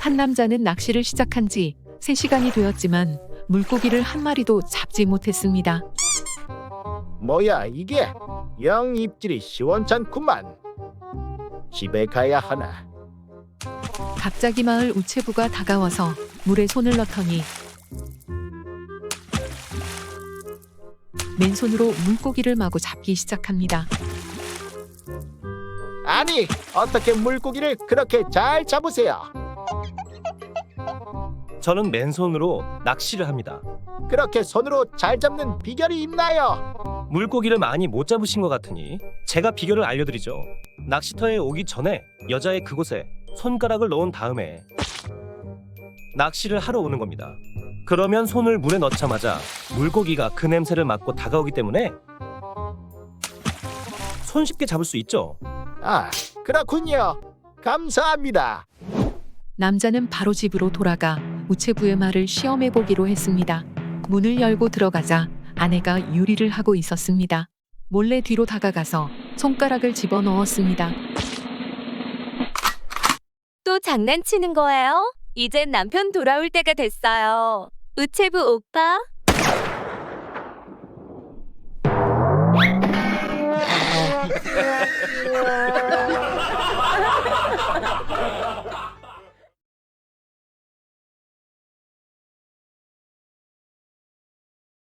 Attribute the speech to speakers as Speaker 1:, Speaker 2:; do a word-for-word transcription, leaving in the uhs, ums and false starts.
Speaker 1: 한 남자는 낚시를 시작한 지 세 시간이 되었지만 물고기를 한 마리도 잡지 못했습니다.
Speaker 2: 뭐야 이게? 영 입질이 시원찮구만. 집에 가야 하나.
Speaker 1: 갑자기 마을 우체부가 다가와서 물에 손을 넣더니 맨손으로 물고기를 마구 잡기 시작합니다.
Speaker 2: 아니 어떻게 물고기를 그렇게 잘 잡으세요?
Speaker 3: 저는 맨손으로 낚시를 합니다.
Speaker 2: 그렇게 손으로 잘 잡는 비결이 있나요?
Speaker 3: 물고기를 많이 못 잡으신 것 같으니 제가 비결을 알려드리죠. 낚시터에 오기 전에 여자의 그곳에 손가락을 넣은 다음에 낚시를 하러 오는 겁니다. 그러면 손을 물에 넣자마자 물고기가 그 냄새를 맡고 다가오기 때문에 손쉽게 잡을 수 있죠.
Speaker 2: 아 그렇군요. 감사합니다.
Speaker 1: 남자는 바로 집으로 돌아가 우체부의 말을 시험해 보기로 했습니다. 문을 열고 들어가자 아내가 요리를 하고 있었습니다. 몰래 뒤로 다가가서 손가락을 집어 넣었습니다.
Speaker 4: 또 장난치는 거예요? 이젠 남편 돌아올 때가 됐어요. 우체부 오빠.